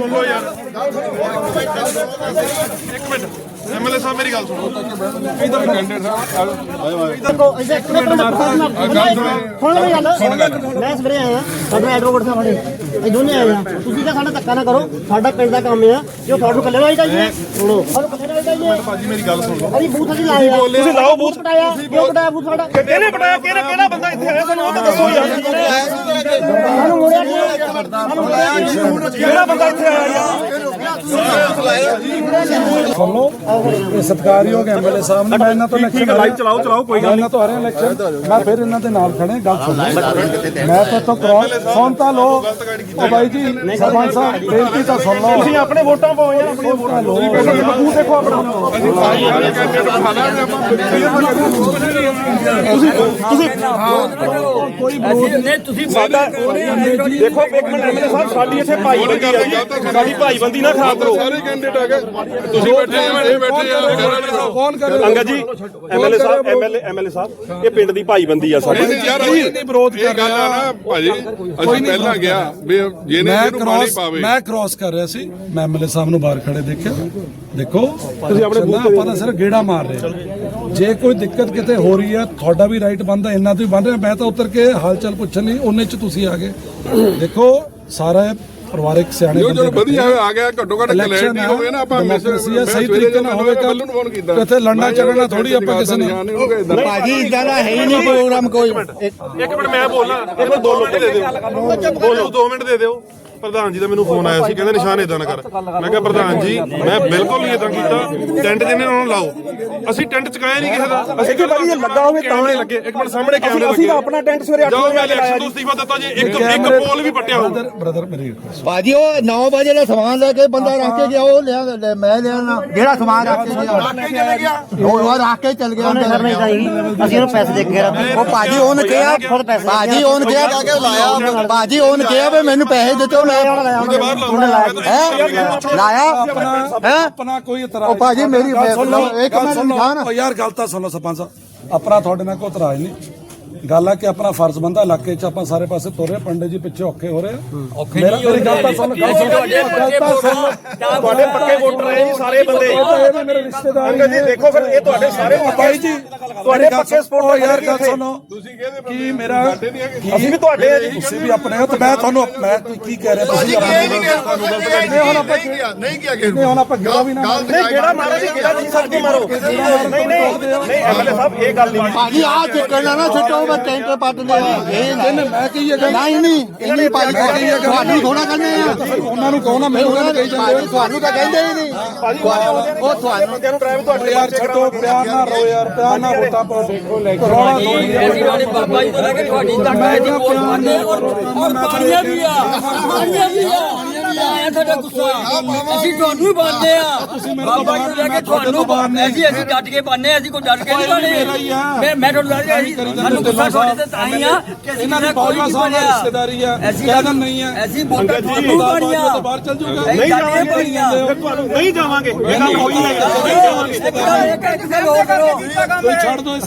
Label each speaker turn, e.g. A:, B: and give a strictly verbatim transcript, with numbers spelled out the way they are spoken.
A: ਸੁਣ ਲਓ ਯਾਰ ਇੱਕ ਮਿੰਟ ਐਮਐਲਏ ਸਾਹਿਬ ਮੇਰੀ ਗੱਲ ਸੁਣੋ ਇਧਰ ਕੈਂਡੀਡੇਟ ਸਾਹਿਬ
B: ਮੈਂ ਸਵੇਰੇ ਆਇਆ ਸਾਡਾ ਐਡਵੋਕੇਟ ਸਾਹਿਬ ਬਣੇ ਇਹ ਦੋਨੇ ਆਏ ਆ ਤੁਸੀਂ ਤਾਂ ਸਾਡਾ ਧੱਕਾ ਨਾ ਕਰੋ ਸਾਡਾ ਪਿੰਡ ਦਾ ਕੰਮ ਆ ਜੋ ਤੁਹਾਨੂੰ ਕੱਲੇ ਨਾਲ ਹੀ ਚਾਹੀਏ ਸੁਣੋ ਸਾਨੂੰ ਕੱਲੇ ਨਾਲ ਚਾਹੀਏ
A: ਭਾਜੀ ਮੇਰੀ ਗੱਲ ਸੁਣ ਲਓ
B: ਅਸੀਂ ਬੂਥ ਅਸੀਂ ਲਾਏ ਆ ਤੁਸੀਂ ਲਾਓ ਬੂਥ ਪਟਾਇਆ ਕਿਉਂ ਪਟਾਇਆ ਬੂਥ ਸਾਡਾ
A: ਕਿਹਨੇ ਪਟਾਇਆ ਕਿਹੜਾ ਕਿਹੜਾ ਬੰਦਾ ਇੱਥੇ ਆਇਆ ਸਾਨੂੰ ਉਹ ਤਾਂ ਦੱਸੋ ਯਾਰ
B: ਸਾਨੂੰ ਮੋੜਿਆ
A: ਕਿਹੜਾ ਬੰਦਾ ਇੱਥੇ ਆਇਆ ਯਾਰ
C: ਸੁਣੋ ਇਹ ਸਤਿਕਾਰਯੋਗ ਐਮਐਲਏ ਸਾਹਿਬ ਨੇ ਮੈਂ ਇਹਨਾਂ ਤੋਂ ਇਲੈਕਸ਼ਨ ਲਾਈਵ ਚਲਾਓ ਚਲਾਓ ਕੋਈ ਗੱਲ ਇਹਨਾਂ ਤੋਂ ਆ ਰਿਹਾ ਇਲੈਕਸ਼ਨ ਮੈਂ ਫਿਰ ਇਹਨਾਂ ਦੇ ਨਾਲ ਖੜੇ ਗੱਲ ਸੁਣੋ ਮੈਂ ਤਾਂ ਤੋਂ ਕਰਾਉ ਸੁਣ ਤਾਂ ਲੋ ਉਹ ਬਾਈ ਜੀ ਸਰਪੰਚ ਸਾਹਿਬ ਬੇਨਤੀ ਤਾਂ ਸੁਣ ਲਓ
A: ਤੁਸੀਂ ਆਪਣੇ ਵੋਟਾਂ ਪਾਓ ਯਾਰ ਆਪਣੀ ਵੋਟਾਂ ਲਓ ਤੂੰ ਦੇਖੋ ਆਪਣਾ ਤੁਸੀਂ ਤੁਸੀਂ
C: ਕੋਈ ਨਹੀਂ ਤੁਸੀਂ
A: ਸਾਡਾ ਦੇਖੋ ਇੱਕ ਮਿੰਟ ਐਮਐਲਏ ਸਾਹਿਬ ਸਾਡੀ ਇੱਥੇ ਭਾਈਬੰਦੀ ਆ ਸਾਡੀ ਭਾਈਬੰਦੀ ਨਾ ਖਰਾਬ ਕਰੋ ਸਾਰੇ ਕੈਂਡੀਡੇਟ ਆ ਗਏ ਤੁਸੀਂ ਬੈਠੇ ਆ ਇਹ ਬੈਠੇ ਆ
C: ਫੋਨ ਕਰੋ
A: ਅੰਗਦ ਜੀ ਐਮਐਲਏ ਸਾਹਿਬ ਐਮਐਲਏ ਐਮਐਲਏ ਸਾਹਿਬ ਇਹ ਪਿੰਡ ਦੀ ਭਾਈਬੰਦੀ ਆ ਸਾਡੀ
C: ਯਾਰ ਨਹੀਂ ਵਿਰੋਧ ਕਰ
D: ਗੱਲ ਆ ਨਾ ਭਾਜੀ ਅਸੀਂ ਪਹਿਲਾਂ ਗਿਆ ਵੀ ਜਿਹਨੇ ਇਹਨੂੰ ਪਾਣੀ ਪਾਵੇ
C: ਮੈਂ ਕ੍ਰਾਸ ਕਰ ਰਿਹਾ ਸੀ ਮੈਂ ਐਮਐਲਏ ਸਾਹਿਬ ਨੂੰ ਬਾਹਰ ਖੜੇ ਦੇਖਿਆ ਦੇਖੋ ਤੁਸੀਂ ਆਪਣੇ ਆਪਾਂ ਤਾਂ ਸਿਰ ਗੇੜਾ ਮਾਰ ਰਹੇ ਜੇ ਕੋਈ ਦਿੱਕਤ ਕਿਤੇ ਹੋ ਰਹੀ ਹੈ ਤੁਹਾਡਾ ਵੀ ਰਾਈਟ ਬਣਦਾ ਇੰਨਾ ਤੋਂ ਹੀ ਬਣ ਰਿਹਾ ਮੈਂ ਤਾਂ ਉਤਰ ਕੇ ਹਾਲ ਚਾਲ ਪੁੱਛਣ ਨਹੀਂ ਉਹਨੇ ਚ ਤੁਸੀਂ ਆ ਗਏ ਦੇਖੋ ਸਾਰਾ ਪਰਿਵਾਰਿਕ ਸਿਆਣੇ
D: ਜੋ ਜੋ ਵਧੀਆ ਆ ਗਿਆ ਘੱਟੋ ਘੱਟ ਕਲੈਰਿਟੀ ਹੋਵੇ ਨਾ ਆਪਾਂ
C: ਡੈਮੋਕ੍ਰੇਸੀ ਸਹੀ ਤਰੀਕੇ ਨਾਲ ਹੋਵੇ ਕੱਲ ਕਿਤੇ ਲੜਨਾ ਝਗੜਨਾ ਥੋੜੀ ਆਪਾਂ ਕਿਸੇ ਨੇ
B: ਭਾਜੀ ਇਦਾਂ ਦਾ ਹੈ ਹੀ ਨਹੀਂ ਪ੍ਰੋਗਰਾਮ ਕੋਈ
A: ਇੱਕ ਮਿੰਟ ਮੈਂ ਬੋਲਣਾ ਇੱਕ ਮਿੰਟ ਦੋ ਮਿੰਟ ਦੇ ਦਿਓ ਬੋਲੋ ਦੋ ਮਿੰਟ ਦੇ ਦਿਓ ਪ੍ਰਧਾਨ ਜੀ ਦਾ ਮੈਨੂੰ ਫੋਨ ਆਇਆ ਸੀ ਕਹਿੰਦੇ ਨਿਸ਼ਾਨ ਇਦਾਂ ਨਾ ਕਰ ਮੈਂ ਕਿਹਾ ਪ੍ਰਧਾਨ ਜੀ ਮੈਂ ਬਿਲਕੁਲ ਨਹੀਂ ਇਦਾਂ ਕੀਤਾ ਟੈਂਟ ਜਿਹਨੇ ਉਹਨਾਂ ਨੂੰ ਲਾਓ ਅਸੀਂ ਟੈਂਟ ਚਕਾਇਆ ਨਹੀਂ ਕਿਸੇ ਦਾ ਅਸੀਂ ਕਿ ਭਾਜੀ ਇਹ ਲੱਗਾ ਹੋਵੇ ਤਾਂ ਲੱਗੇ ਇੱਕ ਮਿੰਟ ਸਾਹਮਣੇ ਕੈਮਰੇ ਲੱਗੇ ਅਸੀਂ ਤਾਂ ਆਪਣਾ ਟੈਂਟ ਸਵੇਰੇ ਅੱਠ ਵਜੇ ਲਾਇਆ ਜੀ ਅਸਤੀਫਾ ਦਿੱਤਾ ਜੀ ਇੱਕ ਇੱਕ ਪੋਲ ਵੀ ਪੱਟਿਆ ਹੋ
C: ਬ੍ਰਦਰ ਮੇਰੀ
B: ਭਾਜੀ ਉਹ ਨੌ ਵਜੇ ਦਾ ਸਮਾਨ ਲੈ ਕੇ ਬੰਦਾ ਰੱਖ ਕੇ ਗਿਆ ਉਹ ਲਿਆ ਮੈਂ ਲਿਆ ਜਿਹੜਾ ਸਮਾਨ ਰੱਖ ਕੇ ਗਿਆ ਉਹ ਰੱਖ ਕੇ ਚੱਲ ਗਿਆ ਅਸੀਂ ਉਹਨੂੰ ਪੈਸੇ ਦੇ ਕੇ ਉਹ ਭਾਜੀ ਉਹਨੇ ਕਿਹਾ ਭਾਜੀ ਉਹਨੇ ਕਿਹਾ ਲਾਇਆ ਭਾਜੀ ਉਹਨੇ ਕਿਹਾ ਵੀ ਮੈਨੂੰ ਪੈਸੇ ਦਿੱਤੇ ਲਾਇਆ
C: ਆਪਣਾ ਕੋਈ ਇਤਰਾਜ਼
B: ਉਹ ਭਾਜੀ ਮੇਰੀ ਇੱਕ ਮਿੰਟ
C: ਯਾਰ ਗੱਲ ਤਾਂ ਸੁਣੋ ਸਰਪੰਚ ਸਾਹਿਬ ਆਪਣਾ ਤੁਹਾਡੇ ਨਾਲ ਕੋਈ ਇਤਰਾਜ਼ ਨਹੀਂ ਗੱਲ ਆ ਕਿ ਆਪਣਾ ਫਰਜ਼ ਬੰਦਾ ਇਲਾਕੇ 'ਚ ਆਪਾਂ ਸਾਰੇ ਪਾਸੇ ਤੁਰ ਰਹੇ ਪੰਡਿਤ ਜੀ ਪਿੱਛੇ ਔਖੇ ਹੋ ਰਹੇ ਔਖੇ ਮੇਰਾ ਮੇਰੀ ਗੱਲ ਤਾਂ ਸੁਣ
A: ਤੁਹਾਡੇ ਪੱਕੇ ਵੋਟਰ ਰਹੇ ਜੀ ਸਾਰੇ ਬੰਦੇ
C: ਇਹ ਮੇਰੇ ਰਿਸ਼ਤੇਦਾਰ
A: ਅੰਗਦ ਜੀ ਦੇਖੋ ਫਿਰ ਇਹ ਤੁਹਾਡੇ ਸਾਰੇ
C: ਭਾਈ ਜੀ
A: ਤੁਹਾਡੇ ਪੱਕੇ ਸਪੋਰਟ
C: ਯਾਰ ਗੱਲ ਸੁਣੋ
D: ਤੁਸੀਂ ਕਹਿੰਦੇ
C: ਕੀ ਮੇਰਾ
A: ਅਸੀਂ ਵੀ ਤੁਹਾਡੇ ਆ ਜੀ
C: ਤੁਸੀਂ ਵੀ ਆਪਣੇ ਹੋ ਤੇ ਮੈਂ ਤੁਹਾਨੂੰ ਮੈਂ ਕੀ ਕਹਿ ਰਿਹਾ ਤੁਸੀਂ
D: ਨਹੀਂ ਹੁਣ ਆਪਾਂ ਨਹੀਂ ਕਿਹਾ ਕਿ
C: ਨਹੀਂ ਹੁਣ ਆਪਾਂ ਗੇੜਾ ਵੀ ਨਾ
A: ਨਹੀਂ ਗੇੜਾ ਮਾਰੋ ਜੀ ਗੇੜਾ ਜੀ ਸੱਚੀ ਮਾਰੋ ਨਹੀਂ ਨਹੀਂ ਨਹੀਂ ਐਮਐਲਏ ਸਾਹਿਬ ਇਹ ਗੱਲ ਨਹੀਂ
B: ਭਾਜੀ ਆ ਚੱਕਣਾ ਨਾ ਛੱਡੋ ਮੈਂ ਟੈਂਟ ਪੱਟ ਲਿਆ ਇਹ
C: ਮੈਂ ਕਹੀ ਇਹ ਗੱਲ
B: ਨਹੀਂ ਨਹੀਂ ਇੰਨੀ ਭਾਜੀ ਤੁਹਾਨੂੰ ਥੋੜਾ ਕਹਿੰਦੇ ਆ
C: ਉਹਨਾਂ ਨੂੰ ਕਹੋ ਨਾ ਮੈਨੂੰ ਕਹਿੰਦੇ ਕਹੀ ਜਾਂਦੇ
B: ਤੁਹਾਨੂੰ ਤਾਂ ਕਹਿੰਦੇ ਹੀ ਨਹੀਂ ਉਹ ਤੁਹਾਨੂੰ
A: ਬੰਦਿਆਂ ਨੂੰ ਪ੍ਰਾਈਵੇਟ ਤੁਹਾਡੇ
C: ਯਾਰ ਛੱਡੋ ਪਿਆਰ ਨਾ ਰੋ ਯਾਰ ਪਿਆਰ ਨਾ ਵੋਟਾਂ ਪਾਓ ਦੇਖੋ ਲੈ ਕੇ ਰੋਣਾ ਥੋੜੀ
E: ਬਾਬਾ ਜੀ ਤੋਂ ਲੈ ਕੇ ਤੁਹਾਡੀ ਤੱਕ ਹੈ ਜੀ ਵੋਟ ਪਾਉਂਦੇ ਔਰ ਪਾਣੀਆਂ ਵੀ ਆ ਪਾਣੀਆਂ ਵੀ ਆ ਆਇਆ ਤੁਹਾਡਾ ਗੁੱਸਾ ਅਸੀਂ ਤੁਹਾਨੂੰ ਹੀ ਪਾਉਂਦੇ ਆ ਬਾਬਾ ਜੀ ਤੋਂ ਲੈ ਕੇ ਤੁਹਾਨੂੰ ਪਾਉਂਦੇ ਅਸੀਂ ਅਸੀਂ ਡਟ ਕੇ ਪਾਉਂਦੇ ਅਸੀਂ ਕੋਈ ਡਟ ਕੇ ਨਹੀਂ ਪਾਉਂਦੇ ਮੈਂ ਮੈਂ ਤੁਹਾਨੂੰ ਦੱਸ ਰਿਹਾ ਜੀ ਸਾਨੂੰ ਗੁੱਸਾ ਤੁਹਾਡੇ ਤੇ ਤਾਂ ਹੀ ਆ ਕਿ
C: ਇਹਨਾਂ ਦੀ ਬਾਜਵਾ ਸਾਹਿਬ ਨਾਲ ਰਿਸ਼ਤੇਦਾਰੀ ਆ ਕਹਿਦਨ ਨਹੀਂ ਆ
E: ਅਸੀਂ ਵੋਟਾਂ ਤੁਹਾਨੂੰ ਪਾਣੀਆਂ
C: ਬਾਹਰ ਚੱਲ ਜੂਗਾ
A: ਨਹੀਂ ਜਾਵਾਂਗੇ ਤੁਹਾਨੂੰ ਨਹੀਂ ਜਾਵਾਂਗੇ ਇਹਨਾਂ ਕੋਈ ਨਹੀਂ ਜਾਵਾਂਗੇ
E: ਇੱਕ ਗੱਲ ਇਹ ਕਹਿ ਕੇ ਲੋਕ ਕਰੋ
C: ਕੋਈ ਛੱਡ ਦੋ